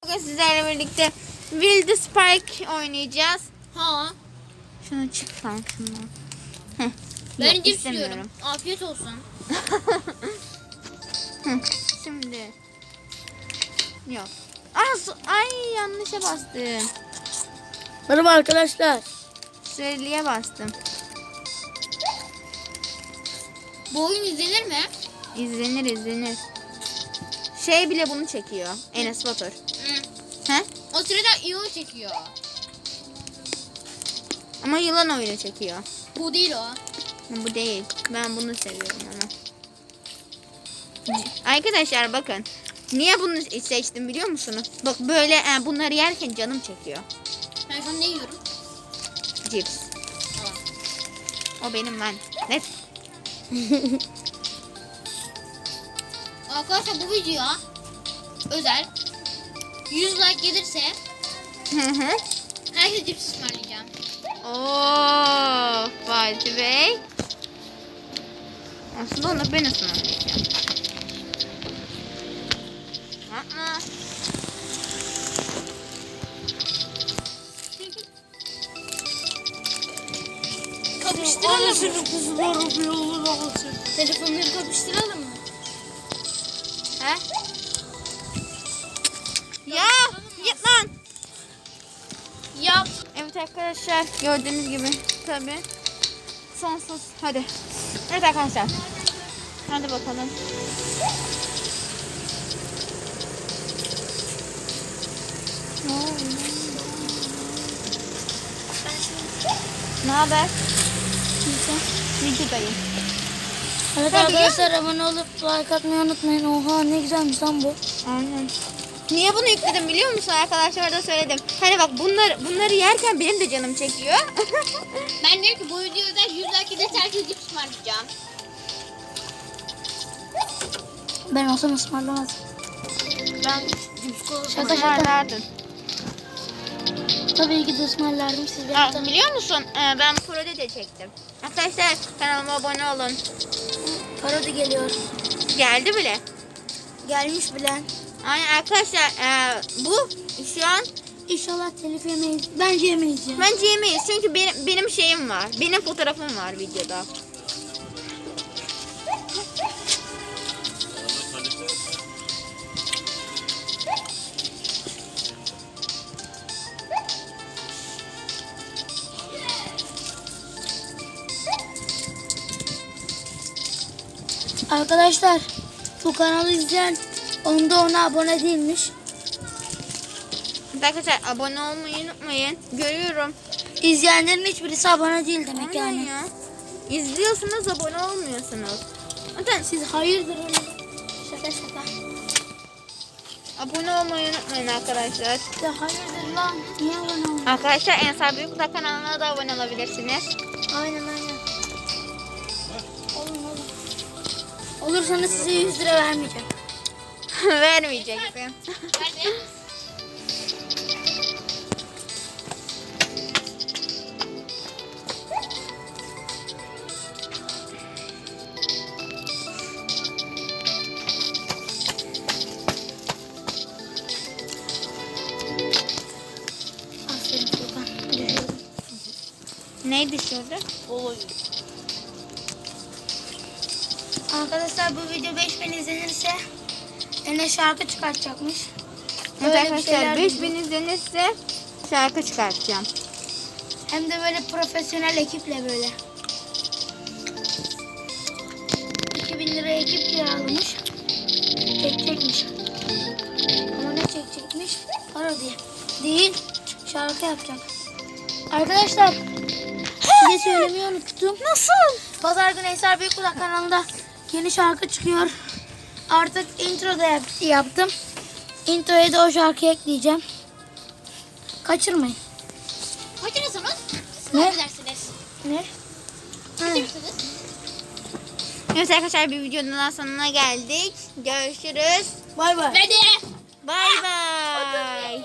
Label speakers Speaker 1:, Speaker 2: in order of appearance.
Speaker 1: Bugün sizlerle birlikte Wild Spike oynayacağız.
Speaker 2: Ha.
Speaker 1: Şunu çık lan şundan. Heh,
Speaker 2: Ben
Speaker 1: yok,
Speaker 2: cips
Speaker 1: istemiyorum.
Speaker 2: yiyorum. Afiyet olsun.
Speaker 1: Şimdi. Yok. Ay yanlışa bastım.
Speaker 3: Merhaba arkadaşlar.
Speaker 1: Süreliğe bastım.
Speaker 2: Bu oyun izlenir mi?
Speaker 1: İzlenir. Şey bile bunu çekiyor. Enes Batur. He?
Speaker 2: O sırada iyi çekiyor.
Speaker 1: Ama yılan oyunu çekiyor.
Speaker 2: Bu değil o.
Speaker 1: Bu değil. Ben bunu seviyorum ama. Arkadaşlar bakın. Niye bunu seçtim biliyor musunuz? Bak böyle bunları yerken canım çekiyor.
Speaker 2: Ben şu an ne yiyorum?
Speaker 1: Cips. O benim lan. Ne?
Speaker 2: Arkadaşlar bu videoya özel 100 like gelirse herkese cips ısmarlayacağım.
Speaker 1: Oo, Fatih Bey. Aslında onu ben ısmarlayacağım. Yapma.
Speaker 2: Kapıştıralım mı?
Speaker 3: Kızlar bir olur olsun.
Speaker 2: Telefonları kapıştıralım mı?
Speaker 1: He? Ya, git lan.
Speaker 2: Yap.
Speaker 1: Evet arkadaşlar gördüğünüz gibi tabi sonsuz hadi. Evet arkadaşlar. Hadi bakalım. Ne haber? Videodayım.
Speaker 3: Evet
Speaker 1: Ha,
Speaker 3: arkadaşlar abone olup like atmayı unutmayın. Oha ne güzelmiş lan bu.
Speaker 1: Aynen. Niye bunu yükledim biliyor musun arkadaşlar da söyledim. Hani bak bunları yerken benim de canım çekiyor.
Speaker 2: Ben diyorum ki bu videoya özel 100 like gelirse herkese cips ısmarlayacağım.
Speaker 3: Ben olsam ısmarlamazdım.
Speaker 1: Ben
Speaker 3: Şaka şaka.
Speaker 1: ısmarlardım.
Speaker 3: Tabii ki de ısmarlardım siz
Speaker 1: Ha,
Speaker 3: beni
Speaker 1: biliyor musun? Ben parodi de çektim. Arkadaşlar kanalıma abone olun.
Speaker 3: Parodi geliyor.
Speaker 1: Geldi bile.
Speaker 3: Gelmiş bile.
Speaker 1: Aynen arkadaşlar bu şu an
Speaker 3: İnşallah telif yemeyiz. Bence yemeyiz ya.
Speaker 1: bence yemeyiz çünkü benim şeyim var. Benim fotoğrafım var videoda.
Speaker 3: Arkadaşlar bu kanalı izleyen ona abone değilmiş.
Speaker 1: Arkadaşlar abone olmayı unutmayın. Görüyorum.
Speaker 3: İzleyenlerin hiçbirisi abone değil demek
Speaker 1: Aynen
Speaker 3: yani.
Speaker 1: ya. İzliyorsunuz abone olmuyorsunuz. Zaten
Speaker 3: Siz hayırdır öyle. Şaka şaka.
Speaker 1: abone olmayı unutmayın arkadaşlar.
Speaker 3: Ya hayırdır lan. Niye abone olmuyorsun?
Speaker 1: Arkadaşlar Ensar Büyükdağ kanalına da abone olabilirsiniz.
Speaker 3: Aynen. Olur. Olursanız size 100 lira vermeyeceğim.
Speaker 1: Vermeyeceksin.
Speaker 2: Nerede?
Speaker 3: Aferin Furkan. Düşürdüm.
Speaker 1: Neydi şurada?
Speaker 3: Arkadaşlar bu video 5000 izlenirse Enes şarkı çıkartacakmış.
Speaker 1: Evet
Speaker 3: Böyle bir
Speaker 1: arkadaşlar
Speaker 3: şeyler
Speaker 1: 5000 izlenirse şarkı çıkartacağım.
Speaker 3: Hem de böyle profesyonel ekiple böyle. 2000 lira ekip kiralamış. Çekecekmiş. Ama ne çekecekmiş? Para diye. Değil. Şarkı yapacak. Arkadaşlar size söylemeyi unuttum.
Speaker 1: Nasıl?
Speaker 3: Pazar günü Ensar Büyükdağ kanalında yeni şarkı çıkıyor. Artık intro da yaptım. Introya da o şarkıyı ekleyeceğim. Kaçırmayın.
Speaker 2: Kaçırırsınız?
Speaker 3: Ne?
Speaker 2: Ne edersiniz?
Speaker 3: Ne?
Speaker 2: Kaçırırsınız?
Speaker 1: Evet arkadaşlar bir videonun daha sonuna geldik. Görüşürüz.
Speaker 3: Bay bay.
Speaker 2: Hadi.
Speaker 1: Bay bay.